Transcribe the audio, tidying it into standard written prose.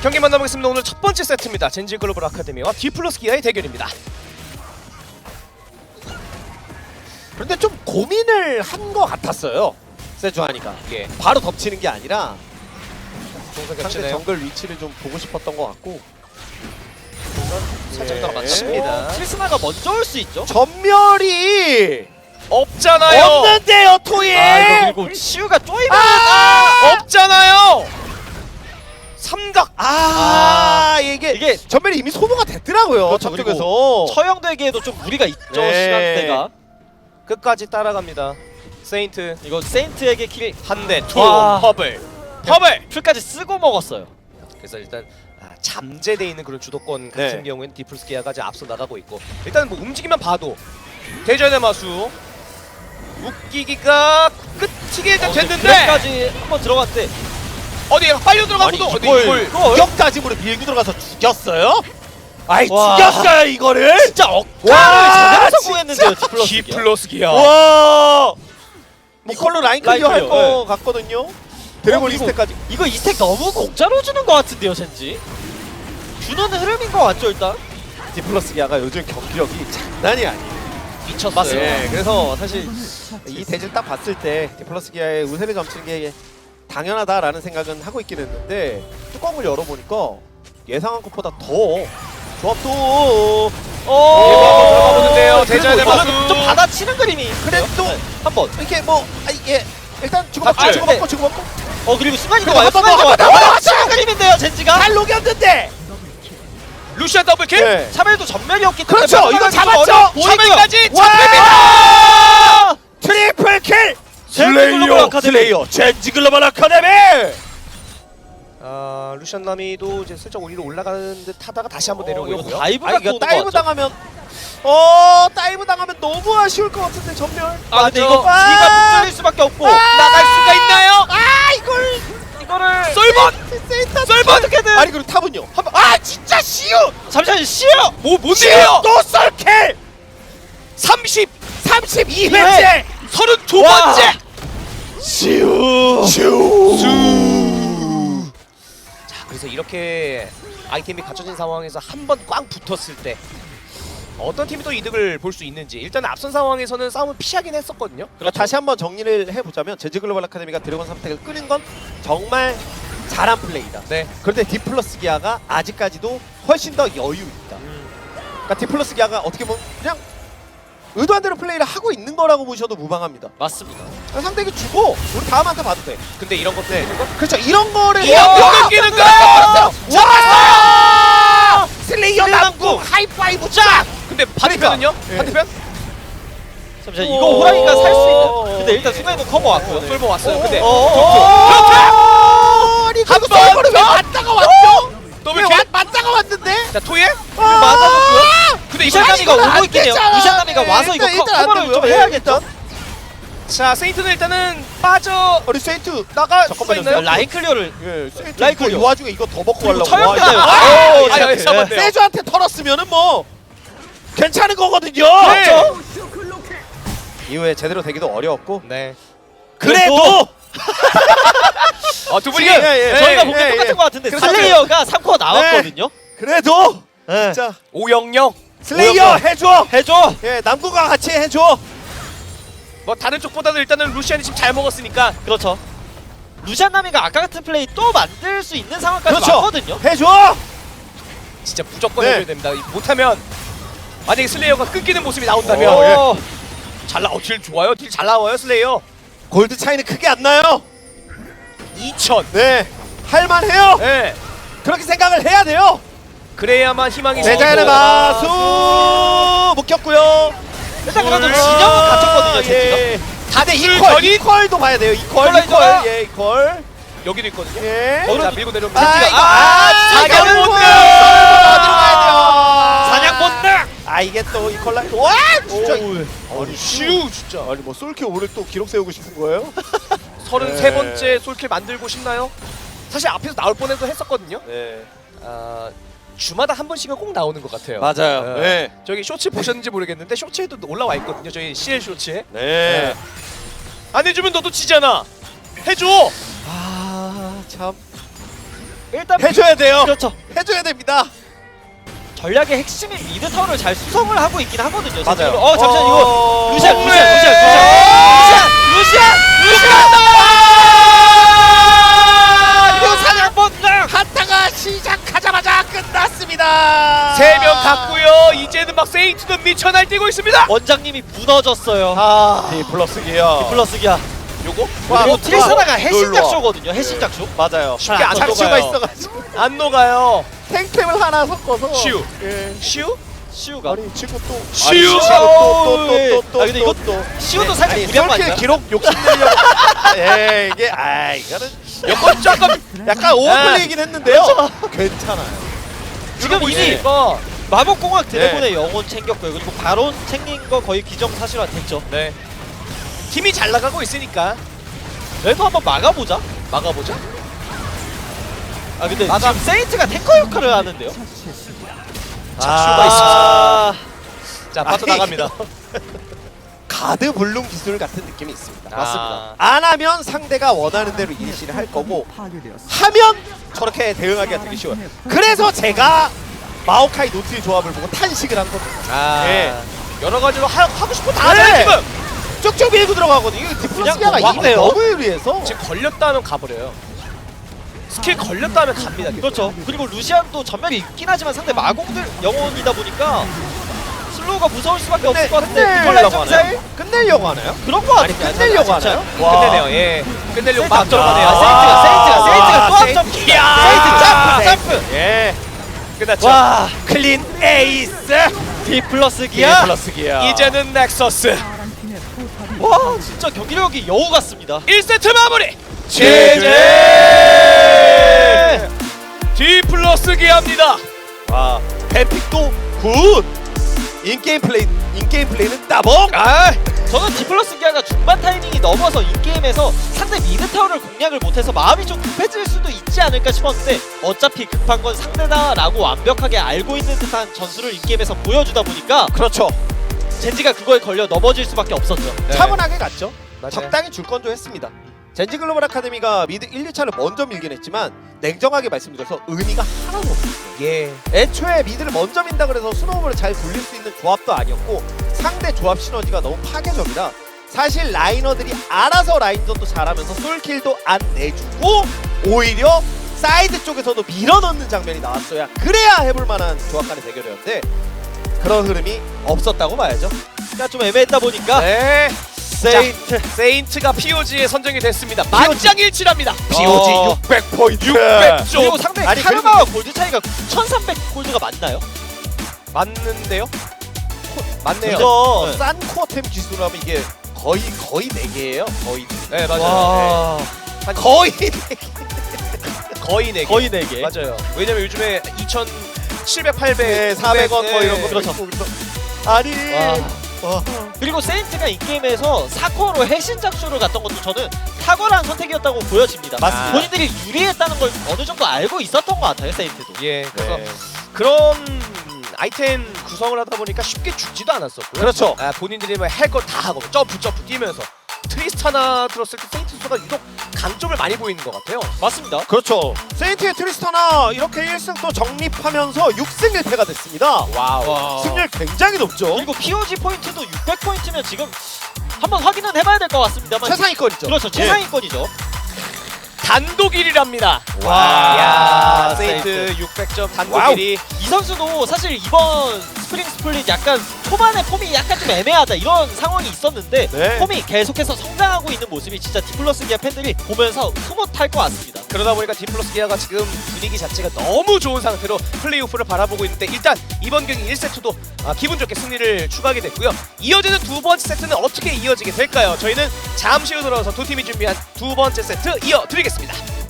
경기 만나보겠습니다. 오늘 첫 번째 세트입니다. 젠지 글로벌 아카데미와 디플러스 기아의 대결입니다. 그런데 좀 고민을 한 것 같았어요. 세주하니까 예. 바로 덮치는 게 아니라 동선 상대 겹치네요. 정글 위치를 좀 보고 싶었던 것 같고 살짝 예. 더 맞춥니다. 트리스나가 먼저 올 수 있죠? 전멸이 없잖아요. 없는데요, 토이. 그리고 시우가 쪼이면 없잖아요. 삼각. 이게 전멸이 이미 소모가 됐더라고요. 그렇죠, 저쪽에서. 처형되기에도 좀 무리가 있죠. 네. 시간대가. 끝까지 따라갑니다. 세인트 이거 세인트에게 킬 한 대, 투, 와. 허블. 풀까지 쓰고 먹었어요. 그래서 일단 잠재돼 있는 그런 주도권 같은 네. 경우에는 디플러스 기아가 이제 앞서 나가고 있고 일단 뭐 움직이면 봐도 대전의 마수 웃기기가 끝이게 일단 됐는데 드랩까지 한번 들어갔대. 어디 빨려 들어가고도 어디 이걸 공격까지으로 밀고 들어가서 죽였어요? 아이 와. 죽였어요 이거를? 진짜 와, 억까를 제대로 진짜. 성공했는데요. 디플러스. 디플러스 기아. 와. 이걸로 라인 클리어 라인 클리어, 할거 같거든요. 드래곤 그리고 2스택까지. 이거 이 스택 너무 공짜로 주는 것 같은데요, 젠지. 주는 흐름인 것 같죠, 일단? 디플러스 기아가 요즘 경기력이 장난이 아니에요. 미쳤어요. 맞습니다. 네, 그래서 사실 이 대진 딱 봤을 때 디플러스 기아의 우세를 점치는 게 당연하다라는 생각은 하고 있긴 했는데 뚜껑을 열어보니까 예상한 것보다 더 조합도 한번 들어가 보는데요. 대전의 그래도 마수. 좀 받아치는 그림이 그래도 한번. 이렇게 뭐 이게 일단 주고받고 맞죠? 주고받고 주고받고 그리고 순간이 그리고 좋아요. 한번 순간이 더, 좋아요. 한번 더, 받아치는 그림인데요, 젠지가. 잘 녹였는데 루시안 더블킬. 네. 차멜도 전멸이었기 때문에 그렇죠, 이거 잡았죠. 차멜까지 와! 잡힙니다. 트리플 킬 젠지 글로벌 아카데미. 슬레이어 젠지 글로벌 아카데미. 루시안 나미도 이제 슬쩍 위로 올라가는 듯 하다가 다시 한번 내려오고 이거 있고요. 다이브가 이거 또 다이브 오는 거 같죠? 당하면 다이브 당하면 너무 아쉬울 것 같은데 전멸. 아, 근데 맞죠? 이거 뒤가 뚫릴 수밖에 없고. 나갈 수가 있나요? 이거를 썰번! 썰번 어떻게든. 아니 그리고 탑은요. 진짜 시우. 잠시만요, 시우. 뭔데요? 또 썰킬. 32회째 32번째! 시우. 자, 그래서 이렇게 아이템이 갖춰진 상황에서 한 번 꽝 붙었을 때 어떤 팀이 또 이득을 볼 수 있는지 일단 앞선 상황에서는 싸움을 피하긴 했었거든요. 그렇죠. 다시 한번 정리를 해보자면 젠지 글로벌 아카데미가 드래곤 3택을 끄는 건 정말 잘한 플레이다. 네. 그런데 디플러스 기아가 아직까지도 훨씬 더 여유 있다. 그러니까 디플러스 기아가 어떻게 보면 그냥 의도한 대로 플레이를 하고 있는 거라고 보셔도 무방합니다. 맞습니다. 상대에게 주고 우리 다음 한테 봐도 돼. 근데 이런 것도 네. 있는 거? 그렇죠. 이런 거를 끊기는 거! 와! 슬레이어 남궁 하이파이브 쫙! 근데 반대편은요? 네. 반대편? 잠시만, 이거 호랑이가 살 수 있는. 근데 일단 순간이동 커버 왔고요. 솔버 왔어요. 근데 아니 한 그 번 솔버를 왜 더! 맞다가 왔죠? 더블킬? 맞다가 왔는데? 자, 토예? 맞아줬고요. 근데 이거 루시안나미가 이건 안 오고 있긴 해요. 되잖아. 루시안나미가 와서 이거 일단 안 커버를 좀 되고요. 해야겠죠. 자, 세인트는 일단은 빠져 우리 세인트 나갈 수가 잠깐만요. 있나요? 라인 클리어를. 예, 세인트 라인 이거 이 클리어. 와중에 이거 더 먹고 그리고 가려고 처형되나요? 와, 오, 아, 잠깐만요. 세주한테 털었으면은 뭐 괜찮은 거거든요. 그렇죠. 이후에 제대로 되기도 어려웠고 네. 그래도 두 분이 지금, 예, 저희가 예, 보기엔 예, 똑같은 예. 것 같은데 그래서 슬레이어가 3코어 나왔거든요. 그래도 네. 진짜 5-0-0. 슬레이어 해줘. 해줘. 예, 남구가 같이 해줘. 뭐 다른 쪽보다는 일단은 루시안이 지금 잘 먹었으니까 그렇죠. 루시안나미가 아까 같은 플레이 또 만들 수 있는 상황까지 그렇죠. 왔거든요. 해줘. 진짜 무조건 네. 해줘야 됩니다. 못하면 만약에 슬레이어가 끊기는 모습이 나온다면 오, 딜 좋아요. 딜 잘 나와요 슬레이어. 골드 차이는 크게 안 나요. 2000. 네, 할만해요. 네. 그렇게 생각을 해야 돼요. 그래야만 희망이 대자연의 있고. 마수 묶였고요. 일단 그래도 진영은 갖췄거든요, 젠지가. 예. 다들 줄 이퀄, 전이- 이퀄도 봐야 돼요. 이퀄, 이퀄라이저가- 이퀄, 예, 이퀄. 여기도 있거든요. 예. 자, 밀고 내려오면 아, 젠지가 이거 사냥 본능! 어디로 가야 돼요? 사냥 본능! 아 이게 또 이퀄라이저. 와, 진짜. 아니 슈 진짜. 아니 뭐 솔킬 오늘 또 기록 세우고 싶은 거예요? 33번째 솔킬 만들고 싶나요? 사실 앞에서 나올 뻔해도 했었거든요. 네. 주마다 한 번씩은 꼭 나오는 것 같아요. 맞아요. 네. 저기 쇼츠 보셨는지 모르겠는데 쇼츠에도 올라와 있거든요. 저희 CL 쇼츠에. 네. 안 해주면 너도 지잖아. 해줘. 아 참. 일단 해줘야 돼요. 그렇죠. 해줘야 됩니다. 전략의 핵심인 미드 타워를 잘 수성을 하고 있긴 하거든요. 맞아요. 어 잠시만 이거 루시안 이거 사냥 번장 한타가 시작하자마자 끝났습니다. 3명 갔고요. 이제는 막 세인트도 미쳐 날뛰고 있습니다. 원장님이 무너졌어요. 아, 디플러스기요. 플러스기야. 요거 그리고 트리스타나가 놀러 해신작쇼거든요. 해신작쇼. 맞아요. 쉽게 안 작슈가 녹아요. 있어가지고 안 녹아요. 탱템을 하나 섞어서 슈. 예. 슈? 시우가. 아니 친구 또 슈! 또또또또또 아, 근데 이거 시우도 살짝 무리한 거 아닌가요? 기록 욕심내려고 예 이게 아 이거는 이건 조금 약간 오버플레이긴 했는데요. 괜찮아요. 지금 이미 보니까 마법공학 드래곤의 영혼 챙겼고요. 그리고 바론 챙긴 거 거의 기정사실화 됐죠. 네. 팀이 잘 나가고 있으니까 래도 한번 막아보자. 막아보자. 아 근데 막아. 지금 세인트가 탱커 역할을 하는데요. 착슈가 아, 자, 빠져나갑니다. 가드 불능 기술 같은 느낌이 있습니다. 아. 맞습니다. 안 하면 상대가 원하는 대로 이니시를 할 거고 하면 저렇게 대응하기가 되게 쉬워요. 그래서 제가 마오카이 노트의 조합을 보고 탄식을 한 겁니다. 아. 예. 여러 가지로 하고 싶은 거 다 네. 하잖아요, 지금. 쭉쭉 밀고 들어가거든요. 이거 디플러스기아가 그냥 이게 너무 유리해서 지금 걸렸다 하면 가버려요. 스킬 걸렸다 하면 갑니다. 계속. 그렇죠. 그리고 루시안도 전멸이 있긴 하지만 상대 마공들 영혼이다 보니까 슬로우가 무서울 수밖에 없을 것 같은데 이걸 끝내려고 점사일 하나요? 끝내려고 하나요? 그런 거 아니 같은데 끝내려고 하나요? 끝내네요. 예. 끝내려고 세인트 막 안 들어가네요. 들어가네요. 세인트가 또 세인트. 앞점. 이야. 세인트 점프. 예. 끝났죠. 와 클린 에이스. D 플러스 기아. 디플러스기아. 이제는 넥서스. 와 진짜 경기력이 여우 같습니다. 1세트 마무리. 제제. D 플러스 기합니다. 와 뱀픽도 굿. 인게임 플레이는 따봉. 아, 저는 D 플러스 기아가 중반 타이밍이 넘어서 인게임에서 상대 미드 타워를 공략을 못해서 마음이 좀 급해질 수도 있지 않을까 싶었는데 어차피 급한 건 상대다라고 완벽하게 알고 있는 듯한 전술을 인게임에서 보여주다 보니까 그렇죠. 젠지가 그거에 걸려 넘어질 수밖에 없었죠. 네. 차분하게 갔죠. 맞아요. 적당히 줄 건조 했습니다. 젠지 글로벌 아카데미가 미드 1, 2차를 먼저 밀긴 했지만 냉정하게 말씀드려서 의미가 하나도 없어요. 예. 애초에 미드를 먼저 민다 그래서 스노우볼을 잘 굴릴 수 있는 조합도 아니었고 상대 조합 시너지가 너무 파괴적이라 사실 라이너들이 알아서 라인전도 잘하면서 솔킬도 안 내주고 오히려 사이드 쪽에서도 밀어넣는 장면이 나왔어야 그래야 해볼 만한 조합 간의 대결이었는데 그런 흐름이 없었다고 봐야죠. 그러니까 좀 애매했다 보니까 네. 세인트 세인트가 POG에 선정이 됐습니다. 만장일치랍니다. POG 어. 600포인트 600조. 그리고 상대 아니, 카르마와 골드 차이가 9,300 골드가 맞나요? 맞는데요? 맞네요. 그거 네. 싼 코어템 기술로 하면 이게 거의 4개예요. 거의 네, 맞아요. 와 한 거의 거의 4개. 거의 4개. 맞아요. 왜냐면 요즘에 2,700, 800, 네, 400원 뭐 이런 거 그렇죠. 있고 그래서 아니 와. 그리고 세인트가 인게임에서 4코어로 해신작쇼를 갔던 것도 저는 탁월한 선택이었다고 보여집니다. 맞습니다. 본인들이 유리했다는 걸 어느 정도 알고 있었던 것 같아요, 세인트도. 예. 그래서 네. 그런 아이템 구성을 하다 보니까 쉽게 죽지도 않았었고요. 그렇죠. 아, 본인들이 뭐 할 거 다 하고 점프 뛰면서 트리스타나 들었을 때 세인트수가 유독 강점을 많이 보이는 것 같아요. 맞습니다. 그렇죠. 세인트의 트리스타나 이렇게 1승 또 정립하면서 6승 1패가 됐습니다. 와우. 승률 굉장히 높죠. 그리고 POG 포인트도 600포인트면 지금 한번 확인은 해봐야 될 것 같습니다만 최상위권이죠. 그렇죠. 최상위권이죠. 단독 1위랍니다. 와. 야, 세인트 600점 단독 와우. 1위. 이 선수도 사실 이번 스프링 스플릿 약간 초반에 폼이 약간 좀 애매하다 이런 상황이 있었는데 네. 폼이 계속해서 성장하고 있는 모습이 진짜 디플러스 기아 팬들이 보면서 흐뭇할 것 같습니다. 그러다 보니까 디플러스 기아가 지금 분위기 자체가 너무 좋은 상태로 플레이오프를 바라보고 있는데 일단 이번 경기 1세트도 기분 좋게 승리를 추가하게 됐고요. 이어지는 두 번째 세트는 어떻게 이어지게 될까요? 저희는 잠시 후 돌아와서 두 팀이 준비한 두 번째 세트 이어드리겠습니다.